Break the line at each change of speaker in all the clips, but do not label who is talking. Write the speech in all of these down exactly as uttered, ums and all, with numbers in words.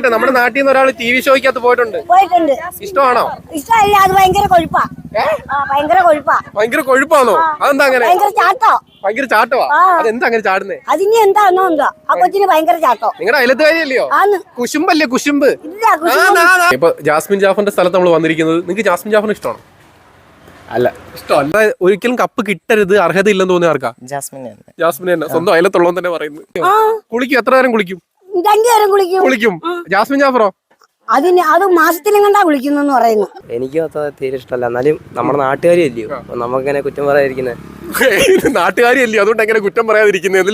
ചോദിക്കട്ടെ, നമ്മുടെ നാട്ടിൽ നിന്ന് ഒരാൾ ടി വി ഷോയ്ക്കകത്ത് പോയിട്ടുണ്ട്.
പോയിട്ടുണ്ട്.
ഇഷ്ടമാണോ?
ഇഷ്ടമല്ല, അത് ഭയങ്കര കൊഴുപ്പാ. ഭയങ്കര കൊഴുപ്പാ.
ഭയങ്കര കൊഴുപ്പാണോ? അതെന്താ അങ്ങനെ?
ഭയങ്കര ചാട്ടോ.
ഭയങ്കര ചാട്ടവാ? അതെന്താ അങ്ങനെ ചാടുന്നേ?
അതിന് എന്താണോ എന്തോ ആ കൊച്ചിന് ഭയങ്കര ചാട്ടോ.
നിങ്ങളുടെ അയലത്തുകാരിയല്ലയോ? കുശുമ്പല്ലേ കുശുമ്പ്? ഇപ്പൊ ജാസ്മിൻ ജാഫറിന്റെ സ്ഥലത്ത് നമ്മൾ വന്നിരിക്കുന്നത്. നിങ്ങൾക്ക് ജാസ്മിൻ ജാഫറിന് ഇഷ്ടമാണോ?
അല്ല,
ഇഷ്ടമല്ല. ഒരിക്കലും കപ്പ് കിട്ടരുത്, അർഹത ഇല്ലെന്ന് തോന്നിയ ആർക്കാ?
ജാസ്മിൻ തന്നെ.
ജാസ്മിൻ തന്നെ. സ്വന്തം അയലത്തുള്ളവൻ തന്നെ പറയുന്നത്. കുളിക്കും? എത്ര നേരം കുളിക്കും?
രണ്ടു നേരം കുളിക്കും.
കുളിക്കും. ജാസ്മിൻ ജാഫറോ?
അതിന് അത് മാസത്തിലും കണ്ടാ കുളിക്കുന്നു പറയുന്നു.
എനിക്ക് തീരെ ഇഷ്ടമല്ല. എന്നാലും നമ്മുടെ നാട്ടുകാരി അല്ലയോ, നമുക്കെങ്ങനെ കുറ്റം പറയാതിരിക്കുന്നത്?
നാട്ടുകാരി അല്ലയോ, അതുകൊണ്ട് എങ്ങനെ കുറ്റം പറയാതിരിക്കുന്നത്?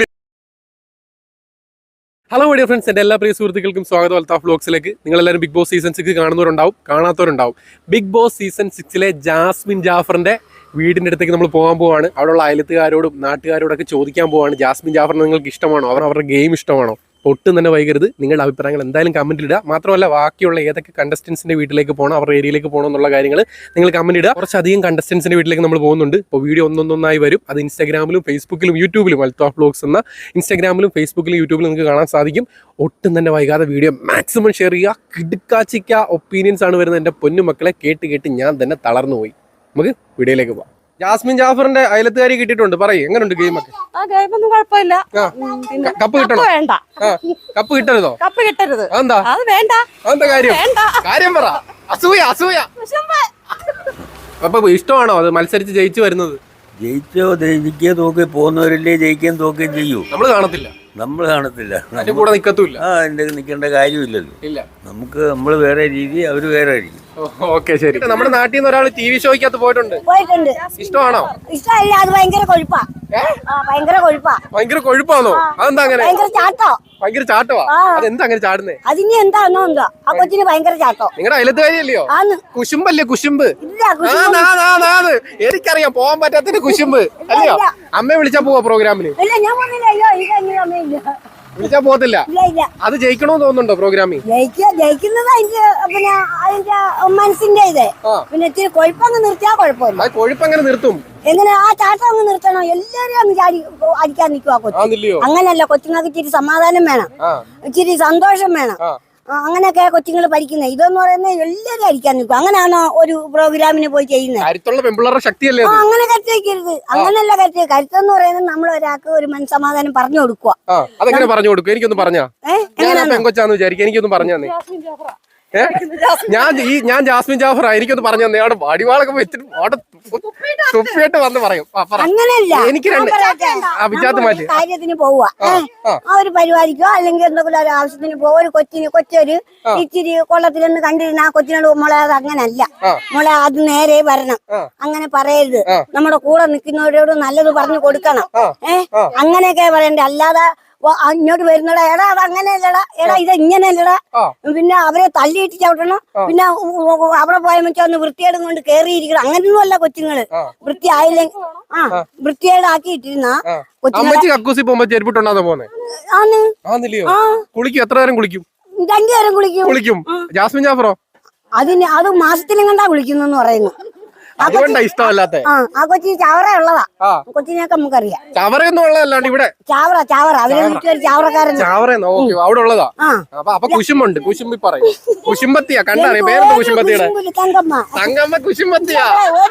ഹലോ ഡിയർ ഫ്രണ്ട്സ്, എൻ്റെ എല്ലാ പ്രിയ സുഹൃത്തുക്കൾക്കും സ്വാഗതം അൽത്താഫ് വ്ലോഗ്സിലേക്ക്. നിങ്ങളെല്ലാവരും ബിഗ് ബോസ് സീസൺ സിക്സ് കാണുന്നവരുണ്ടാവും, കാണാത്തവരുണ്ടാവും. ബിഗ് ബോസ് സീസൺ സിക്സിലെ ജാസ്മിൻ ജാഫറിന്റെ വീടിൻ്റെ അടുത്തേക്ക് നമ്മൾ പോകാൻ പോവാണ്. അവിടെയുള്ള അയലത്തുകാരോടും നാട്ടുകാരോടൊക്കെ ചോദിക്കാൻ പോവാണ്, ജാസ്മിൻ ജാഫറിന് നിങ്ങൾക്ക് ഇഷ്ടമാണോ, അവർ അവരുടെ ഗെയിം ഇഷ്ടമാണോ? ഒട്ടും തന്നെ വൈകരുത്. നിങ്ങളുടെ അഭിപ്രായങ്ങൾ എന്തായാലും കമൻറ്റിൽ ഇടുക. മാത്രമല്ല, ബാക്കിയുള്ള ഏതൊക്കെ കണ്ടസ്റ്റൻസിൻ്റെ വീട്ടിലേക്ക് പോകണം, അവരുടെ ഏരിയയിലേക്ക് പോകണം എന്നുള്ള കാര്യങ്ങൾ നിങ്ങൾ കമൻറ്റ് ഇടുക. കുറച്ചധികം കണ്ടസ്റ്റൻസിൻ്റെ വീട്ടിലേക്ക് നമ്മൾ പോകുന്നുണ്ട്. ഇപ്പോൾ വീഡിയോ ഒന്നൊന്നൊന്നായി വരും. അത് ഇൻസ്റ്റാഗ്രാമിലും ഫേസ്ബുക്കിലും യൂട്യൂബിലും അൽത്താഫ് വ്ലോഗ്സ് എന്ന ഇൻസ്റ്റാഗ്രാമിലും ഫേസ്ബുക്കിലും യൂട്യൂബിലും നിങ്ങൾക്ക് കാണാൻ സാധിക്കും. ഒട്ടും തന്നെ വൈകാതെ വീഡിയോ മാക്സിമം ഷെയർ ചെയ്യുക. കിടുക്കാച്ചിക്ക ഒപ്പീനിയൻസ് ആണ് വരുന്നത്. എൻ്റെ പൊന്നു മക്കളെ, കേട്ട് കേട്ട് ഞാൻ തന്നെ തളർന്നു പോയി. നമുക്ക് വീഡിയോയിലേക്ക് പോകാം. ജാസ്മിൻ ജാഫറിന്റെ അയലത്തുകാരി കിട്ടിയിട്ടുണ്ട്. പറയും, എങ്ങനെയുണ്ട് ഗെയിമൊക്കെ?
കുഴപ്പമില്ല.
കപ്പ് കിട്ടണോ?
വേണ്ട.
കപ്പ് കിട്ടരുതോ? കപ്പ് കിട്ടരുത്. എന്താ? അത് വേണ്ട. അതെന്താ കാര്യം? കാര്യം പറ. അസൂയ അസൂയ. അപ്പൊ ഇഷ്ടമാണോ അത് മത്സരിച്ച് ജയിച്ചു വരുന്നത്?
ജയിച്ചോ ജയിക്കുക തോക്കി പോകുന്നവരല്ലേ ജയിക്കുകയും തോക്കുകയും ചെയ്യൂ.
നമ്മള് കാണത്തില്ല.
നമ്മൾ കാണത്തില്ല.
അതിന്റെ കൂടെ നിക്കത്തുമില്ല.
ആ എന്റെ നിൽക്കേണ്ട കാര്യമില്ലല്ലോ.
ഇല്ല.
നമുക്ക് നമ്മൾ വേറെ രീതി, അവര് വേറെ ആയിരിക്കും.
ഓക്കെ, ശരി. നമ്മുടെ നാട്ടിൽ നിന്ന് ഒരാൾ ടി വി ഷോയ്ക്കകത്ത് പോയിട്ടുണ്ട്.
പോയിട്ടുണ്ട്.
ഇഷ്ടമാണോ?
ഇഷ്ടമല്ല, അത് ഭയങ്കര കൊഴുപ്പാ. ഭയങ്കര കൊഴുപ്പാ.
ഭയങ്കര കൊഴുപ്പാണോ? അതെന്താ അങ്ങനെ?
ഭയങ്കര ചാട്ടോ.
ഭയങ്കര ചാട്ടവാ? അതെന്താ അങ്ങനെ ചാടുന്നേ?
അതിന് എന്താണോ എന്തോ ആ കൊച്ചിന് ഭയങ്കര ചാട്ടോ.
നിങ്ങളുടെ അയലത്തുകാരിയല്ലയോ? കുശുമ്പല്ലേ കുശുമ്പ്? എനിക്കറിയാം, പോവാൻ പറ്റാത്തതിന്റെ കുശുമ്പ് അല്ലയോ? അമ്മയെ വിളിച്ചാ പോവാ പ്രോഗ്രാമിന്? വിളിച്ചാ പോകത്തില്ല. അത് ജയിക്കണോന്ന് തോന്നുന്നുണ്ടോ പ്രോഗ്രാമിൽ?
ജയിക്കുന്നത് അതിന്റെ പിന്നെ അതിന്റെ മനസ്സിന്റെ ഇത്. പിന്നെ ഇത്തിരി കൊഴുപ്പങ്ങ് നിർത്തിയാ കുഴപ്പമില്ല.
കൊഴുപ്പങ്ങനെ നിർത്തും?
എങ്ങനെ ആ ചാട്ടം അങ്ങ് നിർത്തണം. എല്ലാരും അങ്ങ് ചാടി അടിക്കാൻ നിൽക്കുക കൊച്ചു. അങ്ങനല്ല, കൊച്ചുങ്ങൾക്ക് ഇച്ചിരി സമാധാനം വേണം, ഇച്ചിരി സന്തോഷം വേണം. അങ്ങനെയൊക്കെ കൊച്ചുങ്ങൾ പഠിക്കുന്നത്. ഇതെന്ന് പറയുന്നത് എല്ലാരും അടിക്കാൻ നിൽക്കും. അങ്ങനെയാണോ ഒരു പ്രോഗ്രാമിന് പോയി ചെയ്യുന്നത്? അങ്ങനെ കരുത്ത് വയ്ക്കരുത്. അങ്ങനെയല്ല കരുത്ത്. കരുത്തെന്ന് പറയുന്നത് നമ്മൾ ഒരാൾക്ക് ഒരു മനസ്സമാധാനം പറഞ്ഞു കൊടുക്കുക.
അതെങ്ങനെ പറഞ്ഞു കൊടുക്കും? എനിക്കൊന്ന് പറഞ്ഞാ. പെങ്കൊച്ചാന്ന് വിചാരിക്കും, എനിക്കൊന്ന് പറഞ്ഞു തന്നെ. ഞാൻ ഈ ഞാൻ ജാസ്മിൻ ജാഫറാ, എനിക്കൊന്ന് പറഞ്ഞു തന്നെ. അവിടെ വടിവാളൊക്കെ വെച്ചിട്ട് അവിടെ തുപ്പിയിട്ട് വന്ന് പറയും.
അങ്ങനെയല്ല,
എനിക്ക് രണ്ട് വിചാരിച്ച മാറ്റി
കാര്യത്തിന് പോവുക. ആ ഒരു പരിപാടിക്കോ അല്ലെങ്കിൽ എന്തെങ്കിലും ഒരു ആവശ്യത്തിന് പോവുക. ഒരു കൊച്ചിന് കൊച്ചൊരു ഇച്ചിരി കൊള്ളത്തിലൊന്ന് കണ്ടിരുന്ന ആ കൊച്ചിനോട് മോളെ അത് അങ്ങനല്ല, മോളെ അത് നേരെ വരണം, അങ്ങനെ പറയരുത്. നമ്മുടെ കൂടെ നിൽക്കുന്നവരോട് നല്ലത് പറഞ്ഞു കൊടുക്കണം. ഏഹ് അങ്ങനെയൊക്കെ പറയണ്ടേ. അല്ലാതെ ഇങ്ങോട്ട് വരുന്നടാ, എടാ അത് അങ്ങനെയല്ലടാ, എടാ ഇത് ഇങ്ങനെയല്ലടാ, പിന്നെ അവരെ തള്ളിയിട്ട് ചവിട്ടണം, പിന്നെ അവിടെ പോയ വെച്ചാൽ ഒന്ന് വൃത്തിയേടും കൊണ്ട് കേറിയിരിക്കണം. അങ്ങനെയൊന്നും അല്ല കൊച്ചുങ്ങള്. വൃത്തിയായില്ലെങ്കിൽ ആ വൃത്തിയേടാക്കിയിട്ടിരുന്ന
കുളിക്കും. എത്ര നേരം കുളിക്കും?
രണ്ടു നേരം കുളിക്കും.
കുളിക്കും. ജാസ്മിൻ ജാഫറോ?
അതിന് അത് മാസത്തിലും കണ്ടാ കുളിക്കുന്നു പറയുന്നു.
അതുകൊണ്ടാ ഇഷ്ടമല്ലാത്ത.
ആ കൊച്ചി ചാവറ ഉള്ളതാ. കൊച്ചിനെയൊക്കെ നമുക്കറിയാം.
ചാവറയൊന്നും ഉള്ളതല്ലാണ്ട് ഇവിടെ
ചാവറ ചാവറ അവരെ വീട്ടിൽ ചാവറക്കാരൻ.
ചാവറ അവിടെ ഉള്ളതാ. അപ്പൊ കുശുമ്പുണ്ട്. കുശുമ്പി പറയും. കുശുമ്പത്തിയാ കണ്ടറിയാം. പേരെന്താ കുശുമ്പത്തിയുടെ?
തങ്കമ്മ.
തങ്കമ്മ കുശുമ്പത്തിയാ.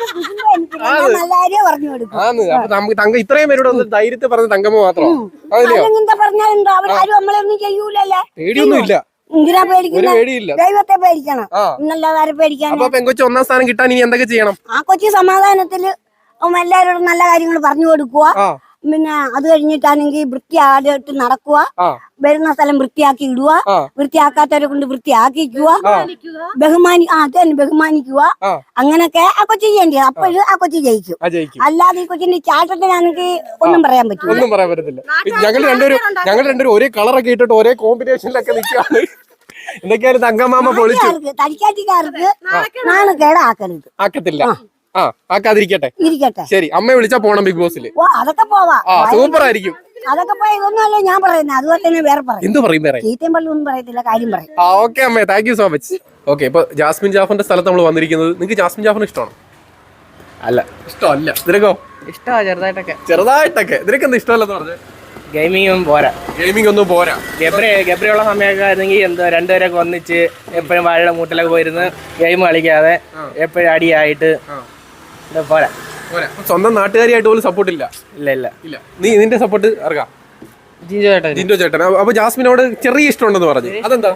പറഞ്ഞു കൊടുക്കും.
ആന്ന്. അപ്പൊ നമുക്ക് തങ്ക ഇത്രയും പേരോട് ഒന്ന് ധൈര്യത്തെ പറഞ്ഞ തങ്കമ്മ മാത്രം.
പറഞ്ഞാലുണ്ടോ അവരാരും നമ്മളൊന്നും ചെയ്യൂലല്ലേ?
പേടിയൊന്നും ഇല്ല.
എന്തിനാ പേടിക്കണം? ദൈവത്തെ പേടിക്കണം. ഇന്നല്ലാതെ പേടിക്കാൻ.
അപ്പൊ പെങ്കൊച്ചു ഒന്നാം സ്ഥാനം കിട്ടാൻ ഇനി എന്തൊക്കെ ചെയ്യണം?
ആ കൊച്ചി സമാധാനത്തില് എല്ലാവരോടും നല്ല കാര്യങ്ങൾ പറഞ്ഞു കൊടുക്കുക. പിന്നെ അത് കഴിഞ്ഞിട്ടാണെങ്കിൽ വൃത്തിയായിട്ട് നടക്കുക, വരുന്ന സ്ഥലം വൃത്തിയാക്കി ഇടുക, വൃത്തിയാക്കാത്തവരെ കൊണ്ട് വൃത്തിയാക്കിക്കുക, ബഹുമാനി ആ തന്നെ ബഹുമാനിക്കുക. അങ്ങനൊക്കെ ആ കൊച്ചി ചെയ്യേണ്ടത്. അപ്പോഴും ആ കൊച്ചി ജയിക്കും. അല്ലാതെ ഈ കൊച്ചിന്റെ ചാട്ടത്തിനാണെങ്കിൽ ഒന്നും പറയാൻ പറ്റില്ല.
ഒന്നും പറയാൻ പറ്റത്തില്ല. ഞങ്ങൾ രണ്ടുപേരും ഞങ്ങൾ രണ്ടുപേരും ഒരേ കളറൊക്കെ ഇട്ടിട്ട് ഒരേ കോമ്പിനേഷനിലൊക്കെ നിൽക്കുകയാണ്. എന്തൊക്കെയാലും തങ്കമാമ പൊളിച്ചു.
തടിക്കാറ്റിക്കാർക്ക് നാണക്കേട് ആക്കരുത്.
ആക്കത്തില്ല. ആ ആക്കാതിരിക്കട്ടെ.
ഇരിക്കട്ടെ.
ശരി, അമ്മയെ വിളിച്ചാ പോണം ബിഗ് ബോസിൽ.
അതൊക്കെ പോവാ.
സൂപ്പർ ആയിരിക്കും.
അതൊക്കെ പോയി ഇതൊന്നുമല്ല ഞാൻ പറയുന്നത്. അതുപോലെ തന്നെ വേറെ പറയും.
എന്ത് പറയും? വേറെ
ചീത്തയും പള്ളി ഒന്നും പറയത്തില്ല, കാര്യം പറയും.
ആ ഓക്കെ അമ്മേ, thank you so much. Okay, ഇപ്പൊ ജാസ്മിൻ ജാഫറിന്റെ സ്ഥലത്ത് നമ്മൾ വന്നിരിക്കുന്നത്. നിങ്ങൾക്ക് ജാസ്മിൻ ജാഫറിന് ഇഷ്ടമാണോ?
അല്ല,
ഇഷ്ടമല്ല. നിനക്കോ?
ഇഷ്ടമാ ചെറുതായിട്ടൊക്കെ.
ചെറുതായിട്ടൊക്കെ. നിനക്ക് എന്താ ഇഷ്ടമല്ലെന്ന് പറഞ്ഞത്?
ഗെയിമിങ്ങും പോരാ.
ഗെയിമിംഗ് ഒന്നും പോരാ.
ഗബ്രി ഗബ്രിയുള്ള സമയമൊക്കെ ആയിരുന്നെങ്കിൽ എന്തോ രണ്ടുപേരൊക്കെ ഒന്നിച്ച് എപ്പോഴും വാഴയുടെ മൂട്ടിലൊക്കെ പോയിരുന്ന് ഗെയിം കളിക്കാതെ എപ്പോഴും അടിയായിട്ട് പോരാ.
പോരാ. സ്വന്തം നാട്ടുകാരിയായിട്ട് പോലും സപ്പോർട്ട് ഇല്ല.
ഇല്ല ഇല്ല
ഇല്ല. നീ നിന്റെ സപ്പോർട്ട് ഇറക്കാം.
ജിൻഡോ ചേട്ടൻ.
ജിൻഡോ ചേട്ടൻ. അപ്പൊ ജാസ്മിനോട് ചെറിയ ഇഷ്ടമുണ്ടെന്ന് പറഞ്ഞു, അതെന്താ?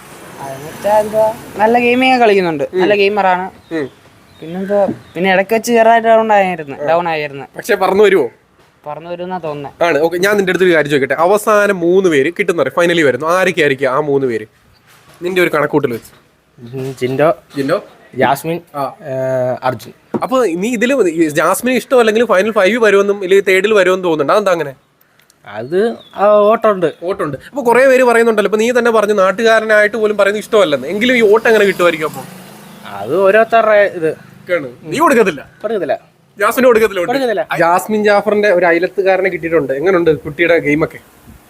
നല്ല ഗെയിമിങ് കളിക്കുന്നുണ്ട്, നല്ല ഗെയിമറാണ്. പിന്നെന്താ, പിന്നെ ഇടയ്ക്ക് വെച്ച് ചെറുതായിട്ട് ഡൗൺ ആയിരുന്നു ഡൗൺ ആയിരുന്നു
പക്ഷെ പറഞ്ഞു വരുമോ?
പറഞ്ഞു വരുന്ന തോന്നുന്നത്
ആണ്. ഓക്കെ, ഞാൻ നിന്റെ അടുത്ത് ഒരു കാര്യം ചോദിക്കട്ടെ. അവസാനം മൂന്ന് പേര് കിട്ടുന്ന ഫൈനലി വരുന്നു, ആരൊക്കെ ആയിരിക്കും ആ മൂന്ന് പേര് നിന്റെ ഒരു കണക്കൂട്ടിൽ വെച്ച്?
ജിൻഡോ,
ജിൻഡോ,
ജാസ്മിൻ, അർജുൻ.
അപ്പൊ നീ ഇതില് ജാസ്മിന് ഇഷ്ടം അല്ലെങ്കിൽ ഫൈനൽ ഫൈവ് വരുമെന്നും അല്ലെങ്കിൽ തേർഡിൽ വരുമെന്ന് തോന്നുന്നുണ്ട്, അതെന്താ അങ്ങനെ?
അത് ഓട്ടമുണ്ട്
ഓട്ടുണ്ട്. അപ്പൊ കുറെ പേര് പറയുന്നുണ്ടല്ലോ, ഇപ്പൊ നീ തന്നെ പറഞ്ഞു നാട്ടുകാരനായിട്ട് പോലും പറയുന്നത് ഇഷ്ടമല്ലെന്ന്, എങ്കിലും ഈ ഓട്ട് എങ്ങനെ കിട്ടുമായിരിക്കും? അപ്പൊ
അത് ഓരോരുത്തരുടെ ഇത്.
നീ കൊടുക്കത്തില്ല?
കൊടുക്കത്തില്ല.
ജാസ്മിന് കൊടുക്കത്തില്ല. ജാസ്മിൻ ജാഫറിന്റെ ഒരു അയലത്തുകാരനെ കിട്ടിയിട്ടുണ്ട്. എങ്ങനെയുണ്ട് കുട്ടിയുടെ ഗെയിമൊക്കെ?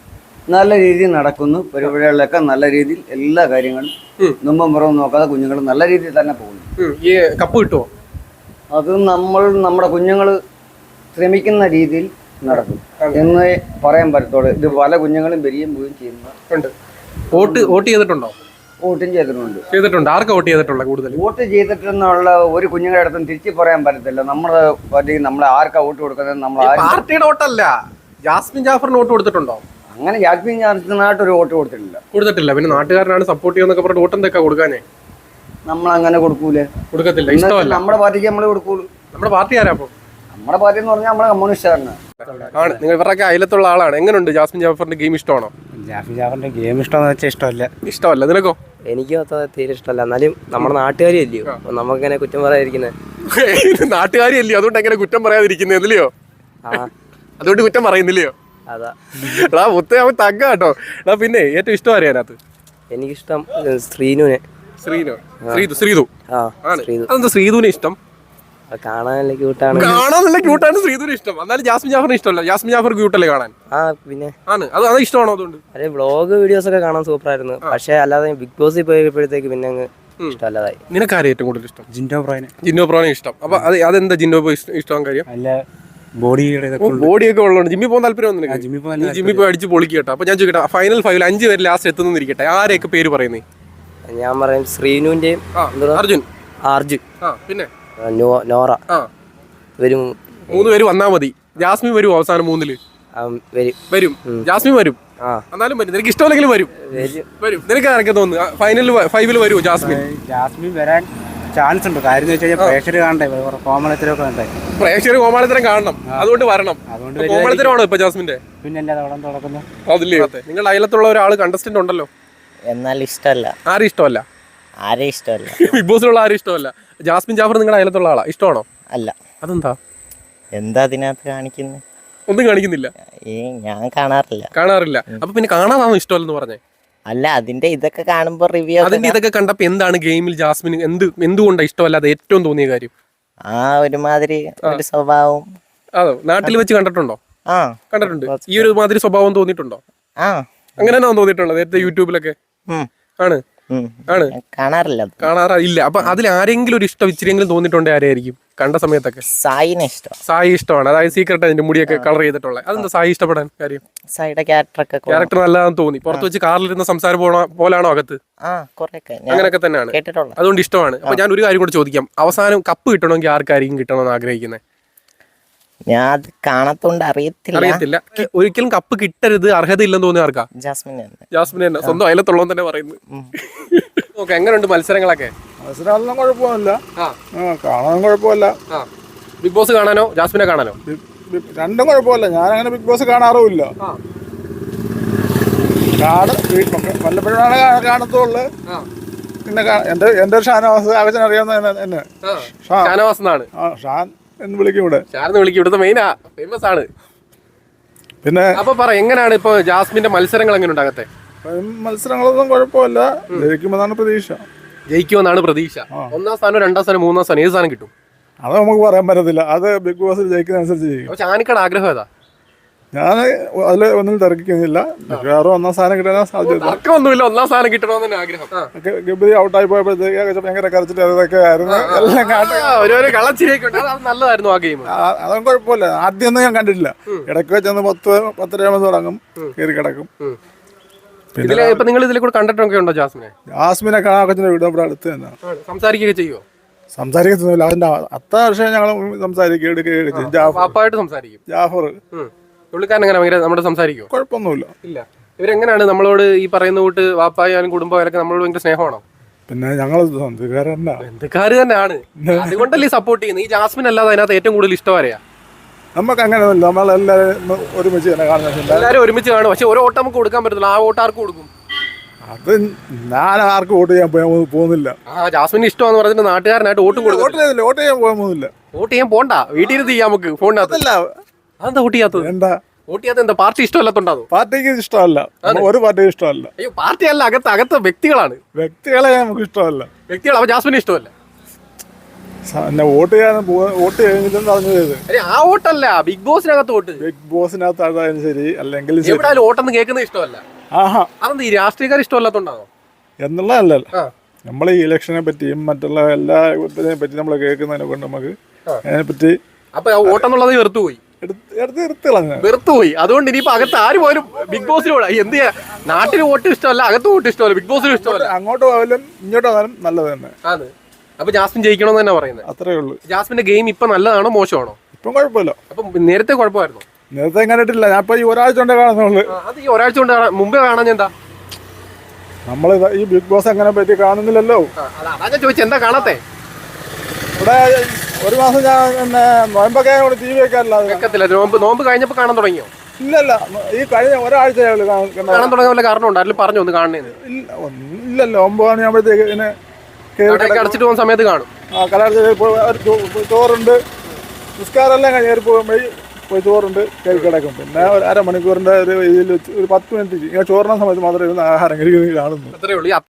നല്ല രീതിയിൽ നടക്കുന്നു. പരിപാടികളിലൊക്കെ നല്ല രീതിയിൽ എല്ലാ കാര്യങ്ങളും മുമ്പും പുറവും നോക്കാതെ കുഞ്ഞുങ്ങൾ നല്ല രീതിയിൽ തന്നെ പോകുന്നു.
ഈ കപ്പ് കിട്ടുമോ?
അത് നമ്മൾ നമ്മുടെ കുഞ്ഞുങ്ങൾ ശ്രമിക്കുന്ന രീതിയിൽ നടക്കും എന്ന് പറയാൻ പറ്റത്തുള്ളൂ. ഇത് പല കുഞ്ഞുങ്ങളും വരികയും പോവുകയും ചെയ്യുന്നുണ്ട്.
വോട്ട് വോട്ട് ചെയ്തിട്ടുണ്ടോ?
വോട്ടും ചെയ്തിട്ടുണ്ട്.
ചെയ്തിട്ടുണ്ട്. ആർക്കാ വോട്ട് ചെയ്തിട്ടുള്ള കൂടുതൽ?
വോട്ട് ചെയ്തിട്ടെന്നുള്ള ഒരു കുഞ്ഞുങ്ങളുടെ അടുത്തും തിരിച്ചു പറയാൻ പറ്റത്തില്ല. നമ്മള് നമ്മൾ ആർക്കാ വോട്ട് കൊടുക്കുന്നത്? നമ്മൾ
പാർട്ടിയുടെ വോട്ടല്ല, ജാസ്മിൻ ജാഫറിന് വോട്ട് കൊടുത്തിട്ടുണ്ടോ?
അങ്ങനെ ജാസ്മിൻ ജാഫറിനായിട്ട് ഒരു വോട്ട് കൊടുത്തിട്ടില്ല.
കൊടുത്തിട്ടില്ല. പിന്നെ നാട്ടുകാരനാണ് സപ്പോർട്ട് ചെയ്യുന്നൊക്കെ പറഞ്ഞിട്ട് വോട്ട് എന്തൊക്കെ കൊടുക്കാനേ?
നമ്മൾ അങ്ങനെ കൊടുക്കൂലേ?
കൊടുക്കത്തില്ല. ഇഷ്ടമല്ല.
നമ്മുടെ പാർട്ടിക്ക് നമ്മൾ കൊടുക്കൂളൂ.
നമ്മുടെ പാർട്ടി ആരാ? അപ്പൊ
നമ്മുടെ പാർട്ടി എന്ന് പറഞ്ഞാൽ നമ്മുടെ കമ്മ്യൂണിസ്റ്റുകാരനാണ്.
ആണ്. നിങ്ങൾ ഇവരൊക്കെ അയലത്തുള്ള ആളാണ്. എങ്ങനെയുണ്ട് ജാസ്മിൻ ജാഫറിന്റെ ഗെയിം? ഇഷ്ടമാണോ?
ജാഫി ജാഫറിന്റെ ഗെയിം ഇഷ്ടമെന്ന് വെച്ചാൽ ഇഷ്ടമല്ല.
ഇഷ്ടമല്ല. നിനക്കോ?
എനിക്ക് തീരെ ഇഷ്ടമല്ല. എന്നാലും നമ്മുടെ നാട്ടുകാരി അല്ലയോ, നമുക്കിങ്ങനെ കുറ്റം പറയാതിരിക്കുന്നത്.
നാട്ടുകാരി അല്ലയോ, അതുകൊണ്ട് എങ്ങനെ കുറ്റം പറയാതിരിക്കുന്നത്? ഇല്ലയോ? അതുകൊണ്ട് കുറ്റം പറയുന്നില്ലയോ?
അതാ
എടാ മുത്തേ, അവൻ തങ്ക കേട്ടോ. എടാ പിന്നെ ഏറ്റവും ഇഷ്ടം അറിയാനകത്ത്?
എനിക്കിഷ്ടം ശ്രീനുവിനെ.
ശ്രീനു? ശ്രീതു. ശ്രീതു.
ആ,
അതെന്താ ശ്രീതുവിനെ ഇഷ്ടം?
കാണാൻ നല്ല ക്യൂട്ടാണ്.
കാണാൻ നല്ല ക്യൂട്ടാണ് ശ്രീതുവിനെ ഇഷ്ടം. എന്നാലും ജാസ്മിൻ ജാഫറിന് ഇഷ്ടമല്ല. ജാസ്മിൻ ജാഫർ ക്യൂട്ടല്ലേ കാണാൻ?
ആ പിന്നെ
ആണ്. അത് അത് ഇഷ്ടമാണോ? അതുകൊണ്ട്
അതെ, വ്ളോഗ് വീഡിയോസ് ഒക്കെ കാണാൻ സൂപ്പർ ആയിരുന്നു. പക്ഷെ അല്ലാതെ ബിഗ് ബോസിൽ പോയപ്പോഴത്തേക്ക് പിന്നെ അങ്ങ് ഇഷ്ടമല്ലാതായി.
നിനക്കാരെ ഏറ്റവും കൂടുതൽ ഇഷ്ടം?
ജിൻഡോ ബ്രോയിനെ.
ജിന്നോ പ്രോനെ ഇഷ്ടം. അപ്പൊ അത് അതെന്താ ജിന്നോ ഇഷ്ടം കാര്യം?
നല്ല ബോഡിയുടെ
ബോഡിയൊക്കെ ഉള്ളതുകൊണ്ട് ജിമ്മിൽ പോകുന്ന താല്പര്യം ഒന്നും
ജിമ്മിൽ പോകാൻ
നീ ജിമ്മിൽ പോയി അടിച്ച് പൊളിക്കട്ടെ. അപ്പൊ ഞാൻ ചോദിക്കട്ടെ, ഫൈനൽ ഫൈവിൽ അഞ്ച് പേര് ലാസ്റ്റ് എത്തുന്നിരിക്കട്ടെ, ആരെയൊക്കെ പേര് പറയുന്നേ?
ഞാൻ പറയും ശ്രീനുവിന്റെയും
അർജുൻ.
അർജുൻ,
പിന്നെ
നോറ വരും.
മൂന്ന് പേര് വന്നാ മതി. ജാസ്മിൻ വരും അവസാനം മൂന്നില്? വരും. ജാസ്മിൻ വരും. എന്നാലും വരും. നിനക്ക് ഇഷ്ടമല്ലെങ്കിലും വരും. വരും. നിനക്ക് ആരൊക്കെ തോന്നുന്നു ഫൈനലിൽ ഫൈവില് വരുമോ ജാസ്മിൻ?
ജാസ്മിൻ വരാൻ ചാൻസ് ഉണ്ട്. കാര്യം വെച്ച് കഴിഞ്ഞാൽ പ്രേക്ഷകർ കാണണ്ടേ, കോമളത്തരമൊക്കെ കണ്ടേ.
പ്രേക്ഷകർ കോമാളിത്തരം കാണണം, അതുകൊണ്ട് വരണം. അതുകൊണ്ട് കോമാളിത്തരമാണോ ഇപ്പൊ ജാസ്മിന്റെ?
പിന്നെ അല്ലാതെ അവിടെ തുടക്കുന്നു.
അതില്ലേ? നിങ്ങളുടെ അയലത്തുള്ള ഒരാൾ കണ്ടസ്റ്റന്റ് ഉണ്ടല്ലോ,
എന്നാൽ ഇഷ്ടമല്ല.
ആരും ഇഷ്ടമല്ല?
ആരെയും ഇഷ്ടമല്ല.
ബിഗ് ബോസിലുള്ള ആരും ഇഷ്ടമല്ല. ജാസ്മിൻ ജാഫർ നിങ്ങളുടെ അയലത്തുള്ള ആളാ? ഇഷ്ടമാണോ?
അല്ല.
അതെന്താ?
എന്താ അതിനകത്ത് കാണിക്കുന്നത്?
ഒന്നും കാണിക്കുന്നില്ല.
ഏ ഞാൻ കാണാറില്ല.
കാണാറില്ല. അപ്പൊ പിന്നെ കാണാതാണോ ഇഷ്ടമല്ലെന്ന് പറഞ്ഞേ?
അല്ല, അതിന്റെ ഇതൊക്കെ കാണുമ്പോ റിവ്യൂ.
അതിന്റെ ഇതൊക്കെ കണ്ടപ്പോ എന്താണ് ഗെയിമിൽ ജാസ്മിന് എന്ത് എന്തുകൊണ്ടാണ് ഇഷ്ടമല്ലാതെ ഏറ്റവും തോന്നിയ കാര്യം?
ആ ഒരുമാതിരി ഒരു സ്വഭാവം.
അതോ നാട്ടിൽ വെച്ച് കണ്ടിട്ടുണ്ടോ?
ആ
കണ്ടിട്ടുണ്ട്. ഈ ഒരു മാതിരി സ്വഭാവം തോന്നിയിട്ടുണ്ടോ?
ആ
അങ്ങനെയാണോ തോന്നിയിട്ടുള്ളത്? നേരത്തെ യൂട്യൂബിലൊക്കെ ആണ് ആണ്
കാണാറില്ല.
കാണാറില്ല. അപ്പൊ അതിൽ ആരെങ്കിലും ഒരു ഇഷ്ടം ഇച്ചിരിയെങ്കിലും തോന്നിയിട്ടുണ്ടോ? ആരെയായിരിക്കും കണ്ട സമയത്തൊക്കെ?
സായിനെ ഇഷ്ടം.
സായി ഇഷ്ടമാണ്. അതായത് സീക്രട്ട് അതിന്റെ മുടിയൊക്കെ കളർ ചെയ്തിട്ടുള്ളത്. അതെന്താ സായി ഇഷ്ടപ്പെടാൻ കാര്യം?
സായിയുടെ ക്യാരക്ടറൊക്കെ
ക്യാരക്ടർ നല്ലതാണെന്ന് തോന്നി. പുറത്ത് വെച്ച് കാറിലിരുന്ന സംസാരം പോണ പോലാണോ അകത്ത്? അങ്ങനെയൊക്കെ തന്നെയാണ്. അതുകൊണ്ട് ഇഷ്ടമാണ്. അപ്പൊ ഞാൻ ഒരു കാര്യം കൂടെ ചോദിക്കാം. അവസാനം കപ്പ് കിട്ടണമെങ്കിൽ ആർക്കായിരിക്കും കിട്ടണമെന്ന് ആഗ്രഹിക്കുന്നത്?
ഞാൻ അത് കാണാത്തോണ്ട് അറിയത്തില്ല.
അറിയത്തില്ല. ഒരിക്കലും കപ്പ് കിട്ടരുത്, അർഹതയില്ലെന്ന് തോന്നിയ ആർക്കാ?
ജാസ്മിൻ.
ജാസ്മിൻ തന്നെ. സ്വന്തം അയലത്തുള്ളവൻ തന്നെ പറയുന്നു. ഓക്കെ, എങ്ങനെയുണ്ട് മത്സരങ്ങളൊക്കെ?
മത്സരമൊന്നും കുഴപ്പമില്ല. കാണാനും കുഴപ്പമില്ല.
ബിഗ് ബോസ് കാണാനോ ജാസ്മിനെ കാണാനോ?
രണ്ടും കുഴപ്പമില്ല. ഞാൻ അങ്ങനെ ബിഗ് ബോസ് കാണാറുമില്ല. കാണും, വല്ലപ്പോഴാണ് കാണത്തുള്ളു. പിന്നെ എന്റെ എന്റെ ഒരു ഷാനവാസ് ആകച്ചൻ അറിയാവുന്ന എന്നെ
ഷാനവാസ് എന്നാണ്.
ഷാൻ എന്ന് വിളിക്കും ഇവിടെ.
ഷാനെന്ന് വിളിക്കും. ഇവിടുത്തെ മെയിനാ, ഫേമസ് ആണ്.
പിന്നെ
അപ്പൊ പറ, എങ്ങനെയാണ് ഇപ്പൊ ജാസ്മിന്റെ മത്സരങ്ങൾ എങ്ങനെ ഉണ്ടാകത്തെ?
മത്സരങ്ങളൊന്നും കുഴപ്പമില്ല. ജയിക്കുമെന്നാണ് പ്രതീക്ഷ.
ജയിക്കുമെന്നാണ് പ്രതീക്ഷ. ഒന്നാം സ്ഥാനം, രണ്ടാം സ്ഥാനം, മൂന്നാം സ്ഥാനം, ഏത് സ്ഥാനം കിട്ടും?
അത് നമുക്ക് പറയാൻ പറ്റത്തില്ല. അത് ബിഗ് ബോസിൽ ജയിക്കുന്നതനുസരിച്ച് ചെയ്യും.
പക്ഷെ ആനിക്കയുടെ ആഗ്രഹം ഏതാ?
ഞാൻ അതിൽ ഒന്നും തിരക്കിക്കുന്നില്ല. മിക്കവാറും ഒന്നാം സ്ഥാനം കിട്ടാൻ സാധ്യത.
തർക്കമൊന്നുമില്ല, ഒന്നാം സ്ഥാനം കിട്ടണമെന്ന് തന്നെ ആഗ്രഹം. ആ.
ഗബ്ബരി ഔട്ടായി പോയപ്പോഴത്തേക്ക് ഭയങ്കര കരച്ചിട്ട് അതൊക്കെ ആയിരുന്നു എല്ലാം കാട്ടി.
ആ, ഓരോരോ കളച്ചിരിയൊക്കെ ഉണ്ട്. അത് നല്ലതായിരുന്നു ആ ഗെയിം.
അതൊന്നും കുഴപ്പമില്ല. ആദ്യമൊന്നും ഞാൻ കണ്ടിട്ടില്ല. ഇടയ്ക്ക് വെച്ചൊന്ന് പത്ത് പത്തരയാകുമ്പോൾ തുടങ്ങും, കയറി കിടക്കും.
ഇതിലെ ഇപ്പൊ നിങ്ങൾ ഇതിലെ കൂടെ കണ്ടിട്ടൊക്കെ ഉണ്ടോ ജാസ്മിനെ?
ജാസ്മിനെ കാണാൻ വീട് ഇവിടെ അടുത്ത് തന്നെ.
സംസാരിക്കുകയൊക്കെ ചെയ്യുമോ?
സംസാരിക്കത്തൊന്നുമില്ല. അതിന്റെ അത്ര വർഷം ഞങ്ങൾ സംസാരിക്കുക എടുക്കുകയൊക്കെ ചെയ്യും. ജാഫർ
വാപ്പായിട്ട് സംസാരിക്കും.
ജാഫർ
പുള്ളിക്കാരൻ എങ്ങനെ ഭയങ്കര നമ്മുടെ സംസാരിക്കുമോ?
കുഴപ്പമൊന്നുമില്ല.
ഇല്ല. ഇവരെങ്ങനെയാണ് നമ്മളോട് ഈ പറയുന്ന കൂട്ട് വാപ്പായാലും കുടുംബമായാലൊക്കെ നമ്മളോട് ഭയങ്കര സ്നേഹമാണോ?
പിന്നെ ഞങ്ങൾ സ്വന്തക്കാരല്ല,
ബന്ധുക്കാര് തന്നെയാണ്. അതുകൊണ്ടല്ലേ സപ്പോർട്ട് ചെയ്യുന്നത്. ഈ ജാസ്മിൻ അല്ലാതെ അതിനകത്ത് ഏറ്റവും കൂടുതൽ ഇഷ്ടം ആരെയാ?
നമുക്ക് അങ്ങനെയൊന്നുമില്ല. നമ്മളെല്ലാവരും ഒരുമിച്ച് തന്നെ കാണുന്നില്ല.
എല്ലാവരും ഒരുമിച്ച് കാണും. പക്ഷെ ഒരു വോട്ട് നമുക്ക് കൊടുക്കാൻ പറ്റത്തില്ല. ആ വോട്ട് ആർക്ക് കൊടുക്കും?
അത് ഞാൻ ആർക്കും വോട്ട് ചെയ്യാൻ പോയാൽ പോകുന്നില്ല.
ആ ജാസ്മിന് ഇഷ്ടമാന്ന് പറഞ്ഞിട്ട് നാട്ടുകാരനായിട്ട് വോട്ടും കൊടുക്കും.
വോട്ട് ചെയ്തില്ല, വോട്ട് ചെയ്യാൻ പോകാൻ പോകുന്നില്ല.
വോട്ട് ചെയ്യാൻ പോണ്ട, വീട്ടിൽ ഇരുന്ന് ചെയ്യാം നമുക്ക് ഫോണിനകത്ത്. അതെന്താ വോട്ട് ചെയ്യാത്തത്?
എന്താ
വോട്ട് ചെയ്യാത്ത എന്താ? പാർട്ടി ഇഷ്ടമല്ലാത്തോണ്ടാണോ?
പാർട്ടിക്ക് ഇഷ്ടമല്ല, ഒരു പാർട്ടിയും ഇഷ്ടമല്ല.
അയ്യോ, പാർട്ടി അല്ല, അകത്ത് അകത്ത് വ്യക്തികളാണ്.
വ്യക്തികളെ നമുക്ക് ഇഷ്ടമല്ല.
വ്യക്തികൾ. അപ്പൊ ജാസ്മിന് ഇഷ്ടമല്ല.
എന്നെ വോട്ട് ചെയ്യാൻ വോട്ട് കഴിഞ്ഞിട്ടും പറഞ്ഞു ചെയ്ത്
അരെ ആ വോട്ടല്ല, ബിഗ് ബോസിനകത്ത് വോട്ട്.
ബിഗ് ബോസിനകത്ത് ആയാലും ശരി, അല്ലെങ്കിൽ
എവിടെയാലും വോട്ടൊന്നും കേൾക്കുന്നത് ഇഷ്ടമല്ല.
ആഹാ,
അതെന്താ ഈ രാഷ്ട്രീയക്കാർ ഇഷ്ടമല്ലാത്തോണ്ടാണോ?
എന്നുള്ളതല്ലല്ലോ. നമ്മൾ ഈ ഇലക്ഷനെ പറ്റിയും മറ്റുള്ള എല്ലാ ഇതിനെ പറ്റി നമ്മൾ കേൾക്കുന്നതിനെ കൊണ്ട് നമുക്ക് അതിനെ പറ്റി
അപ്പൊ ആ വോട്ടെന്നുള്ളത് വെറുത്തുപോയി.
എടുത്ത് എടുത്ത് കളഞ്ഞ
വെറുത്തുപോയി. അതുകൊണ്ട് ഇനിയിപ്പോ അകത്ത് ആര് പോലും ബിഗ് ബോസിനോട് എന്ത് ചെയ്യാ? നാട്ടിൽ വോട്ട് ഇഷ്ടമല്ല, അകത്ത് വോട്ട് ഇഷ്ടമല്ല, ബിഗ് ബോസിനും ഇഷ്ടമല്ല.
അങ്ങോട്ട് പോയാലും ഇങ്ങോട്ട് പോയാലും നല്ലത് തന്നെ.
ആണ്. അപ്പൊ ജാസ്മിൻ ജയിക്കണമെന്ന് തന്നെ പറയുന്നത്.
അത്രേ ഉള്ളൂ.
ജാസ്മിന്റെ ഗെയിം ഇപ്പൊ നല്ലതാണോ മോശമാണോ?
ഇപ്പം കുഴപ്പമില്ല.
അപ്പൊ നേരത്തെ കുഴപ്പമായിരുന്നു.
നേരത്തെ കണ്ടിട്ടില്ല. ഞാൻ ഇപ്പൊ ഈ ഒരാഴ്ച കൊണ്ടേ കാണുന്നുള്ളു.
അത് ഈ ഒരാഴ്ച കൊണ്ട് കാണാൻ മുമ്പേ കാണാൻ എന്താ?
നമ്മൾ ഈ ബിഗ് ബോസ് അങ്ങനെ പറ്റി കാണുന്നില്ലല്ലോ.
അതാ ഞാൻ ചോദിച്ചത്, എന്താ കാണാത്തെ?
ഇവിടെ ഒരു മാസം ഞാൻ പിന്നെ നോയമ്പൊക്കെ ടി വി വെക്കാറില്ല.
വെക്കത്തില്ല. നോമ്പ് നോമ്പ് കഴിഞ്ഞപ്പോ കാണാൻ തുടങ്ങിയോ?
ഇല്ലല്ല, ഈ കഴിഞ്ഞ ഒരാഴ്ച
കാണാൻ തുടങ്ങിയ വല്ല കാരണം ഉണ്ടോ? അതിൽ പറഞ്ഞു ഒന്ന് കാണണേന്ന്.
ഇല്ലല്ലോ. ഒമ്പത് മണിയാകുമ്പോഴത്തേക്ക് ഇങ്ങനെ
കടയൊക്കെ അടച്ചിട്ട് പോകുന്ന സമയത്ത് കാണും.
ആ കട ചോറുണ്ട്, നിസ്കാരമെല്ലാം കഴിഞ്ഞ് കയറി പോകുമ്പോൾ പോയി ചോറുണ്ട്, കയറി കിടക്കും. പിന്നെ ഒരു അരമണിക്കൂറിന്റെ ഒരു ഇതിൽ ഒരു പത്ത് മിനിറ്റ് ഇങ്ങനെ ചോറിന സമയത്ത് മാത്രമേ ഇരുന്ന് ആഹാരം കഴിക്കുന്നത് കാണുന്നു.
അത്രേ ഉള്ളൂ.